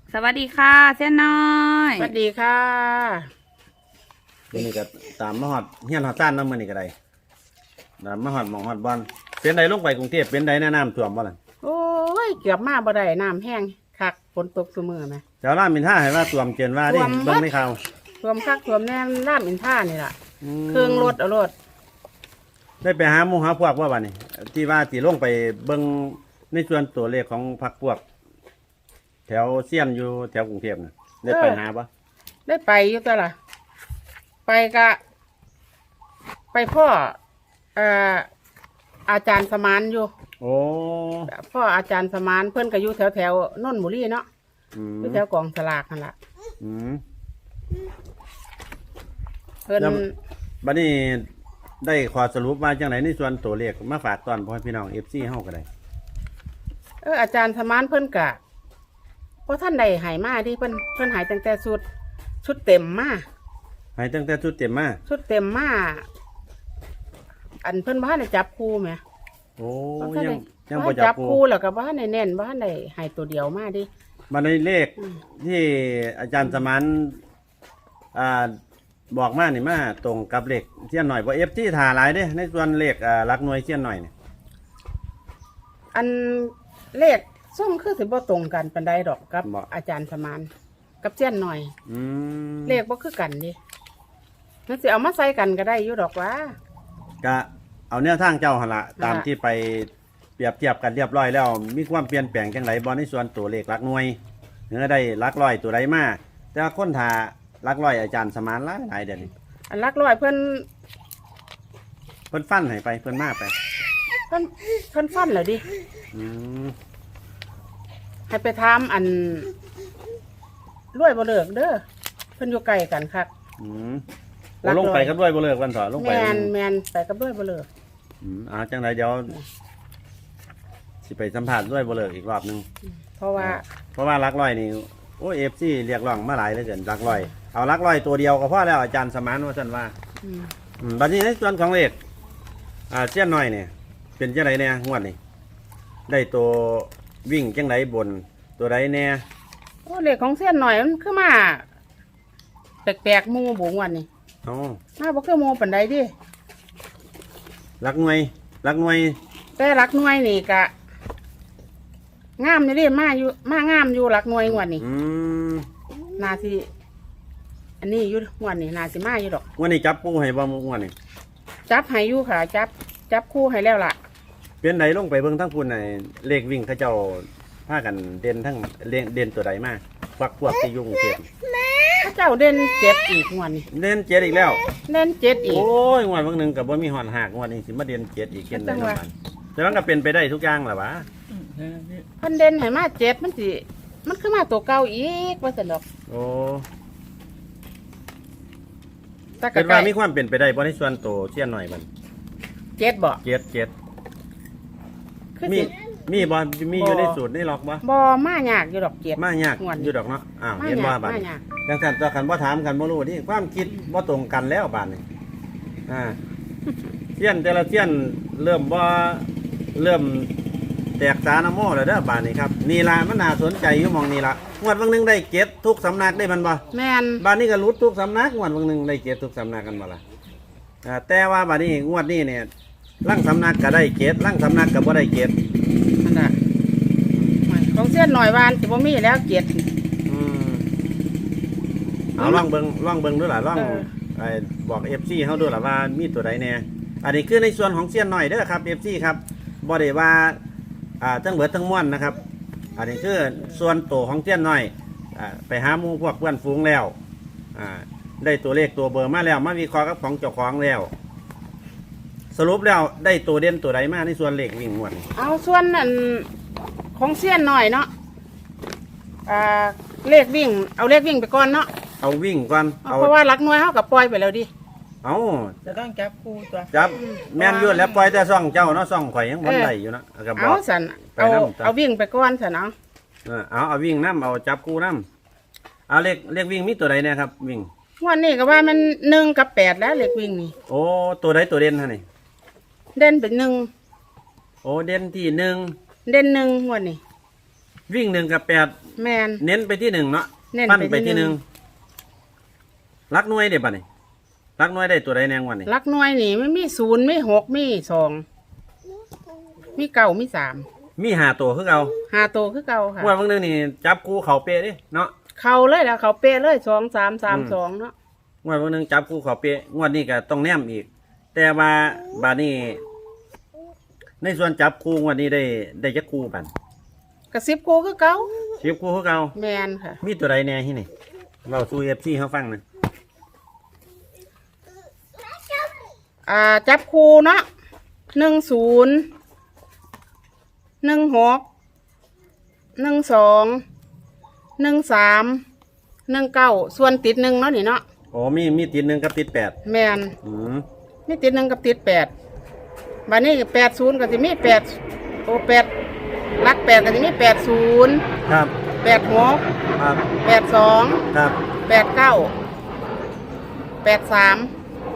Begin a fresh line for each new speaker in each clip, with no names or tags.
สวัสดีค่ะเส้นน้อย
สวัสดีค่ะ
นี่ก็ตามมาฮอดเฮียนฮอดซ่านเนาะมื้อนี้ก็ได้ตามมาฮอดหม่องฮอดบอนเป็นใดลงไปกรุงเทพเป็นใดแนะน้ำท่วมบ่ล่ะ
โอ้ยเกือบมาบ่ได้น้ำแห้งคักฝนตกซุมื้อแม่
เจ้าล่ามอินท่าให้ว่าท่วมเกินว่าดิ
ท่วม
เบิ่งในข่าว
ท่วมคักท่วมแน่ลาดอินท่านี่ล่ะ
อืม
เครื่องรถเอารถ
ได้ไปหาหมู่หาพวกว่าบัดนี้ที่ว่าสิลงไปเบิ่งในส่วนตัวเลขของพรรคพวก แถวเซียนอยู่แถวกรุงเทพน่ะได้ไปหาบ่
ได้ไปอยู่ตัวล่ะ ไปกะ ไปพ่ออาจารย์สมานอยู่
โอ้
พ่ออาจารย์สมานเพิ่นก็อยู่แถวนนทบุรีเนาะ
อืม
อยู่แถวกองสลากนั่นล่ะ
อืม
เพิ่น
แล้ว บัดนี้ได้ขอสรุปว่าจังไดในส่วนตัวเลขมาฝากตอนพ่อพี่น้อง FC เฮาก็ได้
อาจารย์สมานเพิ่นกะเพราะท่านใดหายมาที่เพิ่นหายตั้งแต่ชุดเต็มมา
ให้ตั้งแต่ชุดเต็มมา
ชุดเต็มมาอันเพิ่นบ้านได้จับคู่ไหม
โอ้
บ่ทัน
ยัง
ได้
ยัง
บ่
บ่
ทัน
จับปู
คู่แล้วก็บ้านได้แน่นบ้านได้หายตัวเดียวมาดิ
มาในเลข
อืม
ที่อาจารย์สมานบอกมานี่มาตรงกับเลขเสี้ยนหน่อยบ่เอฟที่ถ่าหลายเด้ในส่วนเลขหลักหน่วยเสี้ยนหน่อยนี่
อันเลขส้มคือสิบ่ตรงกันปานใดดอกกับ อาจารย์สมานกับเจ้ยนหน่อย
อืม
เลขบ่คือกันดิมันสิเอามาใส่กันก็ได้อยู่ดอกว่า
ก็เอาแนวทางเจ้าหั่นละตามที่ไปเปรียบเทียบกันเรียบร้อยแล้ว มีความเปลี่ยนแปลงจังไดบ่ในส่วนตัวเลขหลักหน่วยเนื้อได้หลักร้อยตัวใดมาแต่ว่าคนถ่าหลักร้อยอาจารย์สมานหลายเดี๋ยวนี้
อันหลักร้อยเพิ่น
เพิ่นฟันให้ไปเพิ่นมาไป
เพิ่นฟันแล้วดิ
อืม
ให้ไปถามอันรวยบ่เลิกเด้อเพิ่นอยู่ไกลกันคัก
อืม
หลักร้อย
ลงไปก็ด้วยบ่เลิกวันต่อลงไป
แมนไปกับรวยบ่เลิก
จังไรเดี๋ยวสิไปสัมผัสด้วยบ่เลิกอีกรอบหนึง
เพราะว่า
เพราะว่ารักร้อยนี่โอ้เอฟซีเรียกร้องมาหลายเหลือเกินรักร้อยเอารักร้อยตัวเดียวก็พอแล้วอาจารย์สมานว่าท่านว่า
อืม
บัดนี้ในส่วนของเลขเสี้ยนน้อยเนี่ยเป็นจังไรเนี่ยงวดนี่ได้ตัววิ่งจังไรบนตัวใดเนี่ย
โอ้เลขของเส้นหน่อยมันคือมาแปลกๆหมู่บุงวันนี้
อ๋อ
มาบ่คือหมู่ปานใดดิ
รักหน่วยรักหน่วย
แต่หลักหน่วยนี่ก็งามอยู่ดิมางามอยู่หลักหน่วยงวดนี้ นาสิอันนี้อยู่งวดนี้นาสิมาอยู่ดอก
งวดนี้จับปูให้บ่งวดนี้
จับให้อยู่ค่ะ จับคู่ให้แล้วล่ะ
เป็นไหนลงไปเบิ่งทั้งพุ่นในเลขวิ่งเขาเจ้าพากันเด่นทั้งเด่นตัวใดมากพวกที่อยุ่กรุงเทพ
พระเจ้าเด่นเจ็ดอีกงวดนี้
เด่นเจ็ดอีกแล้ว
เด่นเจ็ดอีก
โอ้ยงวดบางหนึ่งกับว่ามีหอนหักงวดนี้สิมาเด่นเจ็ดอีกเกิน
จั
ได้
งหวะ
น้ำมันแต่มันก็เป็นไปได้ทุกอย่างแหละวะ
เพิ่นเด่นให้มาเจ็ดมันสิมันคือมาตัวเก่าอีกว่าซั่นดอก
โอ้
แต่ก็
เป็น
ใกล้
ว่ามีความเป็นไปได้บ่ในส่วนโตเชี่ยนหน่อยมัน
เจ็ดบ่
เจ็ด
คือ
มี
สิ
มีบ่มีอยู่
บ่
ในสูตรในล็อกบ่
บ่มายากอยู่ดอกเจ็ด
มายาก
งวดนี้
อยู่ดอกเนาะอ้าว
มา
เห็นว่าย
าก
บาด
มา
นี้
ยาก
ดังนั้นตัวกันบ่ถามกันบ่รู้นี่ความคิดบ่ตรงกันแล้วบาดนี้เชี่ยนแต่ละเชี่ยนเริ่มแตกสานะโมแล้วเด้อบาดนี้ครับนี่ล่ะมันน่าสนใจอยู่หมองนี่ล่ะงวดบางหนึงได้เก็บทุกสำนักได้มันบ่
แม่น
บ้านนี้ก็รุดทุกสำนักงวดบางหนึ่งได้เกตทุกสำนักกันมาละแต่ว่าบ้านนี้งวดนี้เนี่ยร่างสำนักก็ได้เกตร่างสำนักก็บ่ได้เกต
นั่นน่ะของเส้นหน่อยวานสิบ่มีแล้วเจ็ด
เอาล่องเบิงด้วยล่ะล่อง
เออ
บอกเอฟซีเขาด้วยล่ะว่ามีตัวใดแน่อันนี้คือในส่วนของเสี้ยนหน่อยเด้อครับเอฟซีครับบ่ได้ว่าทั้งเบิดทั้งม้วนนะครับ อันนี้คือส่วนโตวของเสี้ยนหน่อยไปหาหมู่พวกเพื่อนฝูงแล้วได้ตัวเลขตัวเบอร์มาแล้วมาวิเคราะห์กับของเจ้าของแล้ว สรุปแล้วได้ตัวเด่นตัวใดมาในส่วนเลขวิ่งม้วน
เอาส่วนอันของเส้นหน่อยเนาะเลขวิ่งเอาเลขวิ่งไปก่อนเนาะ
เอาวิ่งก่อนเอา
เพราะว่าหลักหน่วยเฮาก็ปล่อยไปแล้วดิ
เอา
จะต้องจับคู่ตัว
จับแม่นอยุ่นแล้วปล่อยแต่ซ่องเจ้าเนาะซ่องข่อยยังบ่ได้อยู่เนาะก็บ
เอา
อก
สัน
ไป
เอา
นำจ้ะ
เอาวิ่งไปก่อนสันเอา
เอาวิ่งน้ำเอาจับกูน้ำเอาเลขวิ่งมีตัวใดเนี่ยครับ วิ่ง
วันนี้ก็ว่ามัน1กับ8แล้วเลขวิ่งนี่
โอ้ตัวใดตัวเด่นฮะนี่
เด่นเป็น1
โอ้เด่นที่หนึ่ง
เด่น1วันนี้
วิ่ง1 กับ 8
แมน
เน้นไปที่หนึ่งเนาะ
เน้น
ปั้น
ไป
ไป
ที่
ที่
ห
ห
นึ่
นึ่
ง
งรักหน่วยเดี๋ยวป่ะนี่รักหน่วยได้ตัวใดแนงวันนี่
ลักหน่วยนี่มันมี0มี6มี2มี9มี3
มีหาตัวคือเอา
5ตัวคือเก่าค่ะ
ว่าบางเรื่องนี่จับคู่เขาเป๊ะดิเนาะ
เข้าเลยแล้วเขาเป๊ะเลย2 3 3 2เนาะ
ว่าบางเรื่องจับคู่เขาเป๊ะงวดนี้ก็ต้องแนมอีก แต่ว่าบาดนี้ในส่วนจับคู่งวดนี้ได้จักคู่บัน
กระซิบกูคือเก่า
ชิบคู่คือเอา
แมนค่ะ
มีตัวใดแน่ที่นี่เราสู้เอฟซีเขาฟังหนะ
จับคูเนาะ10 16 12 13 19ส่วนติด1เนาะนี่เนาะ
โอ้มีติดหนึ่งกับติดแปด
แมน
อืม
มีติด1กับติด8บัดนี้80ก็สิมี8โอ้8หลัก8ก็สิมี80
ครับ
86
ครับ
82
ครับ
89 83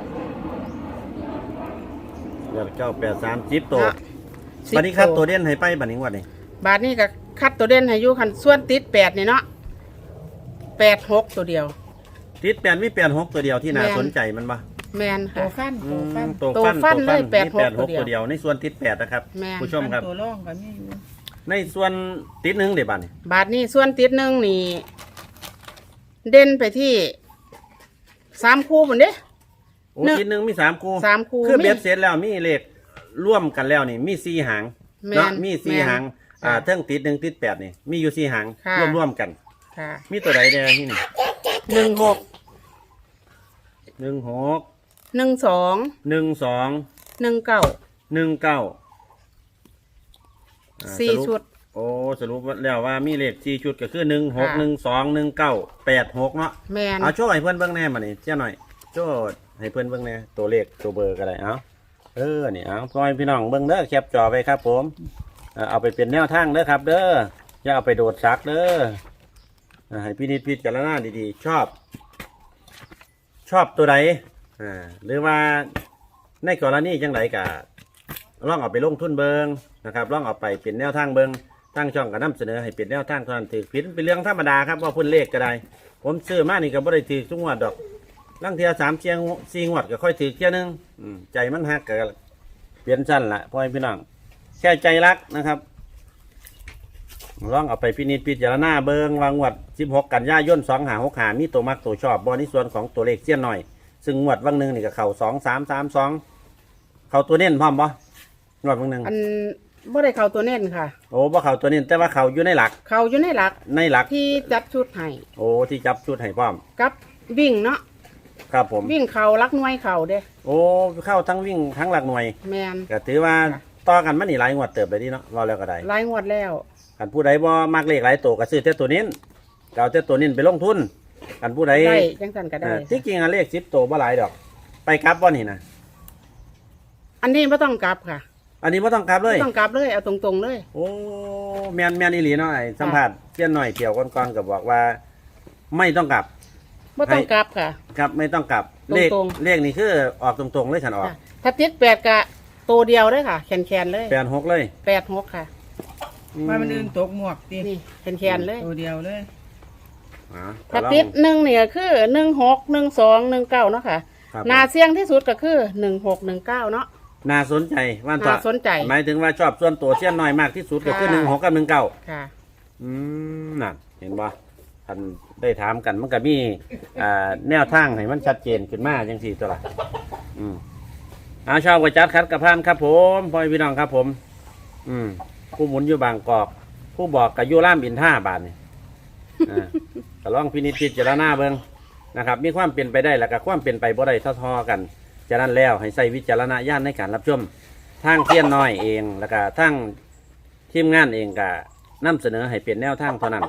เดี๋ยวเจ้า83จิ๊บตัว
เนาะ
บัดนี้ครับตัวเด่นให้ไปบัดนี้งวดนี้
บาทนี้ก็คัดตัวเด่นให้อยู่คันส่วนติด8นี่เนาะ86ตัวเดียว
ติดแปดมี86ตัวเดียวที่น่า
แม่น
สนใจมันปะ
แมนค่ะ
ตัว
ตัว
ฟัน
ฟันเลย
มี
86
ตัวเดียวในส่วนติดแปดนะครับ
แม่น
ผู้ชมครับ
ตัวร่องก็มีอยู่
ในส่วนติดหนึ่งเดี๋ยวบัดนี้
บาทนี้ส่วนติด1นี่ เด่นไปที่3คู่พุ่นเด้
โอ้
หนึ่ง
ติดหนึ่งมี3คู่
3คู่
คือ
มี
เบ็ดเสร็จแล้วมีเลขร่วมกันแล้วนี่มี4หาง
แม่น
เนาะมี4
แม่น
หาง
ค่ะ
เทิงติด1ติด8นี่มีอยู่4หาง
ค่ะ
ร่วมกัน
ค่ะ
มีตัวใดแน่ที่นี่
16
16
12
12
19
19
4ชุด
โอ้สรุปแล้วว่ามีเลข4ชุดก็คือ16
ค่ะ
12 19 86เนาะ
แมน
เอาโชว์ให้เพื่อนเบิ่งแหน่มานี่เจ้าหน่อยโชว์ให้เพื่อนเบิ่งแหน่ตัวเลขตัวเบอร์ก็ได้เอานี่เอาพ่อแม่พี่น้องเบิ่งเด้อแคปจอไปครับผมเอาไปเป็นแนวทางเด้อครับ เด้ออย่าเอาไปโดดซักเด้อให้พี่นิดพิจารณาดีๆชอบตัวใดหรือว่าในกรณีจังไดก็ลองเอาไปลงทุนเบิ่งนะครับลองเอาไปเป็นแนวทางเบิ่งตั้งช่องก็นำเสนอให้เป็นแนวทางเท่านั้นถือผิดเป็นเรื่องธรรมดาครับว่าเพิ่นเลขก็ได้ ผมซื้อมานี่ก็บ่ได้ถือทุกงวดดอกลังเทีย3เชียง4งวดก็ค่อยถือเที่ยนึงใจมันฮักก็เปลี่ยนสั้นละพ่อพี่น้องแค่ใจรักนะครับลองเอาไปพินิจพิจารณาเบิงวางงวด16กันยายน2565มีตัวมักตัวชอบบ่ในส่วนของตัวเลขเสี้ยนหน่อยซึ่งงวดวังหนึงนี่ก็เข้า2332เข้าตัวเน้นพร้อมบ่งวดวังหนึง
อันบ่ได้เข้าตัวเน้นค่ะ
โอ้บ่เข้าตัวเน้นแต่ว่าเข้าอยู่ในหลัก
เข้าอยู่ในหลัก ที่จัดชุดให้
โอ้ที่จับชุดให้พร้อม
กับวิ่งเนาะ
ครับผม
วิ่งเข้าลักหน่วยเข้าเด้
โอ้เข้าทั้งวิ่งทั้งหลักหน่วย
แมน
ก็ถือว่าต่อกันมันนี่หลายงวดเติบไปดีเนาะเราแล้วก็ได้
หลายงวดแล้ว
กันผู้ใดบ่มักเลขหลายตัวก็ซื้อแต่ตัวนี้ก็เอาแต่ตัวนี้ไปลงทุนกันผู้ใด
ได้จังสันก็ได้
ที่จริงอะเลข10ตัวบ่หลายดอก ไปกลับบ่นี่นะ
อันนี้ไม่ต้องกลับค่ะ
อันนี้บ่ต้องกลับเลย
ไม่ต้องกลับเลยเอาตรงๆเลย
โอ้แม่นอีหลีเนาะไอ้สัมภาษณ์เสี้ยนหน่อยเที่ยวก่อนๆก็บอกว่า ไม่ต้องกลับ
ไม่ต้องกลับค่ะ
ครับไม่ต้องกลับเลข
ตรง
เลขนี่คือออกตรงๆเลยฉันออก
ค่ะถ้าติด8กะตัวเดียวเลยค่ะแขนๆเลย
86เลย
86ค่ะ
ว่ามันอื่นตกหมวกติ
นี่แขนๆเลย
ตัวเดียวเลย
อ่า
ถ้าติด1เนี่ยคือ16 12 19เนาะค่ะ
ครับ
นาเสี่ยงที่สุดก็คือ16 19เนาะ
น่าสนใจว่า
น่าสนใจ
หมายถึงว่าชอบส่วนตัวเสี้ยนน้อยมากที่สุดก็คือ
ค่ะ
16กับ19
ค่ะ
นั่นเห็นบ่ท่านได้ถามกันมันก็มีแนวทางให้มันชัดเจนขึ้นมาจังสี่ตัวละชอบกระจัดคัดกระพานครับผมพ่อพี่น้องครับผม ผู้หมุนอยู่บางกอก ผู้บอกกับยูร่ามอินท่าบานนี่ก็ลองพินิจพิจารณาเบิ่งนะครับ มีความเปลี่ยนไปได้แล้วก็ความเปลี่ยนไปบ่ได้ทอๆกันฉะนั้นแล้วให้ใส่วิจารณญาณในการรับชมทางเทียนน้อยเองแล้วก็ทางทีมงานเองก็นำเสนอให้เปลี่ยนแนวทางเท่านั้น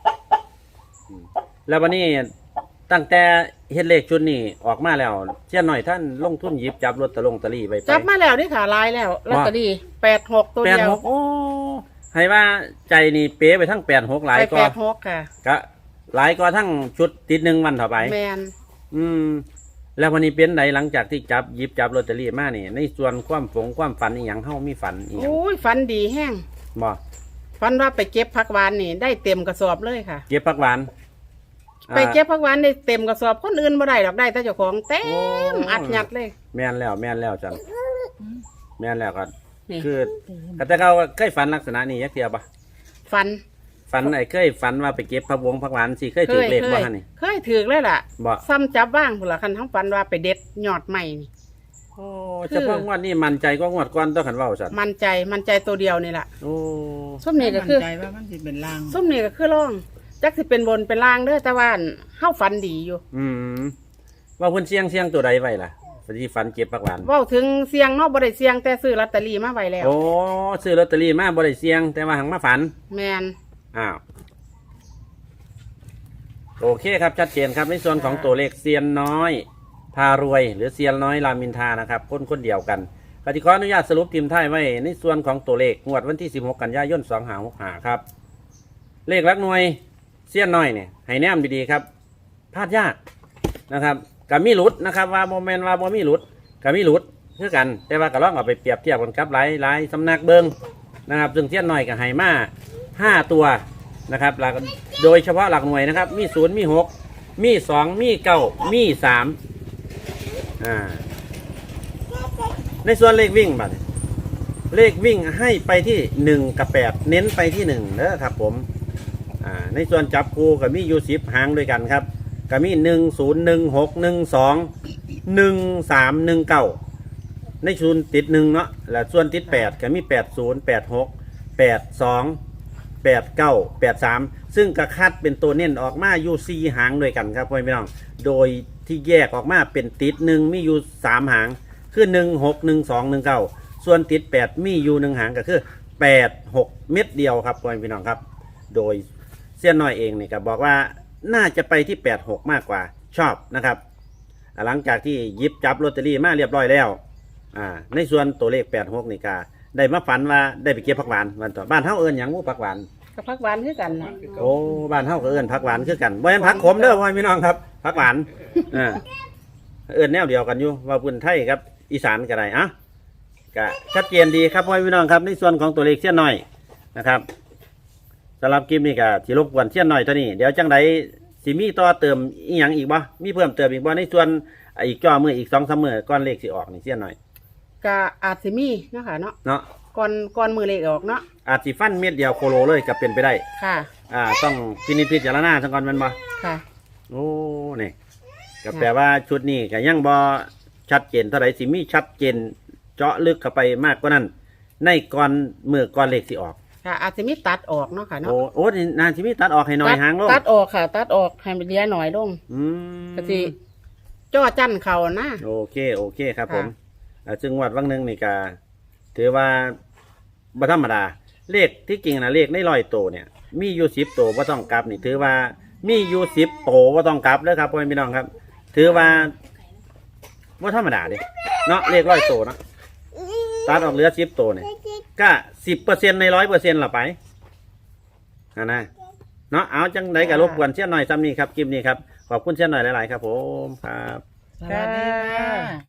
แล้ววันนี้ตั้งแต่เฮ็ดเลขชุดนี้ออกมาแล้วเช่นหน่อยท่านลงทุนหยิบจับลอตเตอรี่ไป
จับมาแล้วนี่ค่ะลายแล้วลอตเตอรี่86ตัวเดียว
86โอ้ให้ว่าใจนี่เป๊ะไปทั้ง86หลาย
ไป
ก็
86ค่ะ
ก็หลายก็ทั้งชุดติดหนึ่งวันต่อไป
แมน
แล้ววันนี้เป็นไหนหลังจากที่จับหยิบจับลอตเตอรี่มานี่ในส่วนความฝันอีหยังเฮามีฝันอีหยัง
โอ้ยฝันดีแห้ง
บ่
ฝันว่าไปเก็บผักหวานนี่ได้เต็มกระสอบเลยค่ะ
เก็บผักหวาน
ไปเก็บผักหวานได้เต็มกระสอบคนอื่นบ่ได้ดอกได้แต่เจ้าของเต็ม
โอ้
อัดยัดเลย
แม่นแล้วจันแม่นแล้วก็
นี่
คือแต่เขาเคยฝันลักษณะนี้ยักเทียบปะ
ฟัน
ฝันเคยฝันว่าไปเก็บผักหวงผักหวานสิเคยถือเลขบ่ฮะนี่
เคยถือเลยล่ะ
บ่
ซ้ำจับว่างพุ่นละคันทั้งฟันว่าไปเด็ดยอดใหม่นี่
โอ้เฉพาะงวดนี้มั่นใจก็งวดก่อนต้องขันเว้าสัตว์
มันใจตัวเดียวนี่ล่ะ
โอ้
ส้มนี่ก็คือ
มั่นใจว่ามันสิเป็นลาง
ส้มนี่ก็คือร่องจักสิเป็นบนเป็นล่างเด้อแต่ว่าเฮาฝันดีอยู่
ว่าเพิ่นเสียงตัวใดไว้ล่ะสิฝันเก็บผักหวาน
เว้าถึงเสียงเนาะบ่ได้เสียงแต่ซื้อลอตเตอรี่มาไว้แล้ว
โอ้ซื้อลอตเตอรี่มาบ่ได้เสียง แต่ว่าหังมาฝัน
แมน
อ้าวโอเคครับชัดเจนครับในส่วนของตัวเลขเซียนน้อยพารวย หรือเซียนน้อยรามอินทรานะครับคนเดียวกันกติกาอนุญาตสรุปทีมไทยไว้ในส่วนของตัวเลขงวดวันที่16กันยายน2565ครับเลขหลักหน่วยเซียนน้อยเนี่ยให้แนมดีๆครับพลาดยากนะครับกับมีหลุดนะครับว่าโมเมนต์ว่าบ่มีหลุดกับมีหลุดคือกัน แต่ว่าก็ลองเอาไปเปรียบเทียบกันกับหลายสำนักเบิงนะครับซึ่งเซียนน้อยกับไฮมา5ตัวนะครับหลักโดยเฉพาะหลักหน่วยนะครับมี0มี6มี2มี9มี3ในส่วนเลขวิ่งบัดเลขวิ่งให้ไปที่1กับ8เน้นไปที่1เด้อครับผมในส่วนจับคู่กับมีอยู่10หางด้วยกันครับก็มี1016121319ในส่วนติด1เนาะและส่วนติด8ก็มี8086828983ซึ่งกระคัดเป็นตัวเน้นออกมาอยู่4หางด้วยกันครับพ่อพี่น้องโดยที่แยกออกมาเป็นติด1มีอยู่3หางคือ161219ส่วนติด8มีอยู่1หางก็คือ86เม็ดเดียวครับพ่อพี่น้องครับโดยเสี้ยนน้อยเองนี่ก็บอกว่าน่าจะไปที่86มากกว่าชอบนะครับหลังจากที่หยิบจับลอตเตอรี่มาเรียบร้อยแล้วในส่วนตัวเลข86นี่ก็ได้มาฝันว่าได้ไปเก็บผักหวานวันต่อบ้านเฮาเอิ้นหยังหมู่ผักหวาน
กับผักหวานคือกันนะ
โอ้บ้านเฮาก็เอิ้นผักหวานคือกันบ่แม่นผักขมเด้อพ่อพี่น้องครับผักหวานเอิ้นแนวเดียวกันอยู่ว่าพื้นไทยครับอีสานก็ได้ก็ชัดเจนดีครับพ่อพี่น้องครับในส่วนของตัวเลขเสี้ยนน้อยนะครับสำหรับคลิปนี้ก็สิรบกวนเสี้ยนน้อยเท่านี้เดี๋ยวจังไดสิมีต่อเติมอีหยังอีกบ่มีเพิ่มเติมอีกบ่ในส่วนอีกจ่อมืออีก 2-3 มื้อก่อนเลขสิออกนี่เสี้ยนน้อย
ก็อาจสิมีเนาะค่ะเนาะ
เนาะ
ก่อนมือเลขออกเนาะ
อาจสิฟันเม็ดเดียวโคโลเลยก็เป็นไปได้
ค่ะ
ต้องพินิจพิจารณาซะก่อนแม่นบ่
ค่ะ
โอ้นี่ก็แปลว่าชุดนี้ก็ยังบ่ชัดเจนเท่าไหร่สิมีชัดเจนเจาะลึกเข้าไปมากกว่านั้นในก่อนมือก่อนเลขสิออก
ค่ะ อาจสิมีตัดออกเนาะค่ะเนาะ
โอ้นี่นานสิมีตัดออกให้หน่อยหางลง
ตัดออกค่ะ ตัดออกให้มันเหลี้ยหน่อยลง ก็สิจ้อจั่นเขานะ
โอเคครับ
ค่ะ
ผมซึ่งวัดวังหนึงนี่ก็ถือว่าบ่ธรรมดาเลขที่จริงนะเลขใน100โตวเนี่ยมีอยู่10โตวบ่ต้องกลับนี่ถือว่ามีอยู่10โตวบ่ต้องกลับเด้อครับพ่อแม่พี่น้องครับ ถือว่าบ่ธรรมดาเด้เนาะเลข100โตวเนาะตัดออกเหลือ10โตวเนี่ยก็10%ใน 100% ละไปนะเนาะเอาจังไดก็รบกวนเสี้ยนหน่อยซ้ำนี้ครับคลิปนี้ครับขอบคุณเสี้ยนหน่อยหลายๆครับผมครับ
สวัสดีค่ะ